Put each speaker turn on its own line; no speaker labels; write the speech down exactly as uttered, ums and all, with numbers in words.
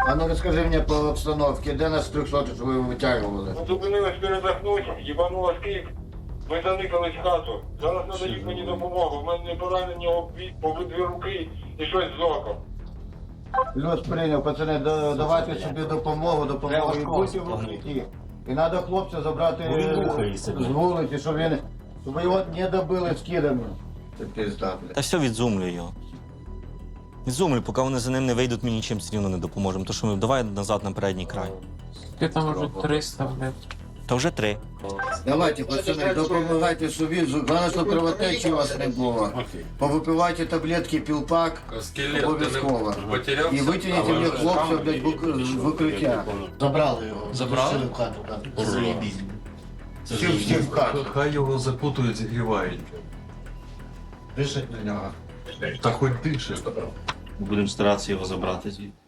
А ну розкажи мені по обстановці, де нас трьохсотих ви витягували?
Ми зупинились передохнути, їбанула Київ. Ми заникались в хату. Зараз надають мені допомогу. У мене поранені обвід, обидві руки і щось з оком.
Плюс прийняв, пацани, да- давайте собі допомогу, допомогу. І будьте в укритті. І треба хлопця забрати з вулиці, щоб він, щоб його не добили скидами. Це пізда, блядь.
Та все, відзумлю його. Відзумлю, поки вони за ним не вийдуть, ми нічим все рівно не допоможемо. То що ми давай назад на передній край.
Ти там вже триста, блядь.
Та вже три.
Давайте, пацани, допомагайте собі, головне, щоб кровотечі у вас не було. Повипивайте таблетки, пілпак,
Скелет
обов'язково.
ти потерявся?
І витягніть мені хлопця, блядь, в ук- з укриття.
Забрали його.
Забрали?
Пустили в хату, так. Заєбісь.
Всі, всі в хату.
Хай його запутують, зігрівають.
Дишать на нього.
Та хоч дише.
Будемо старатися його забрати звідти.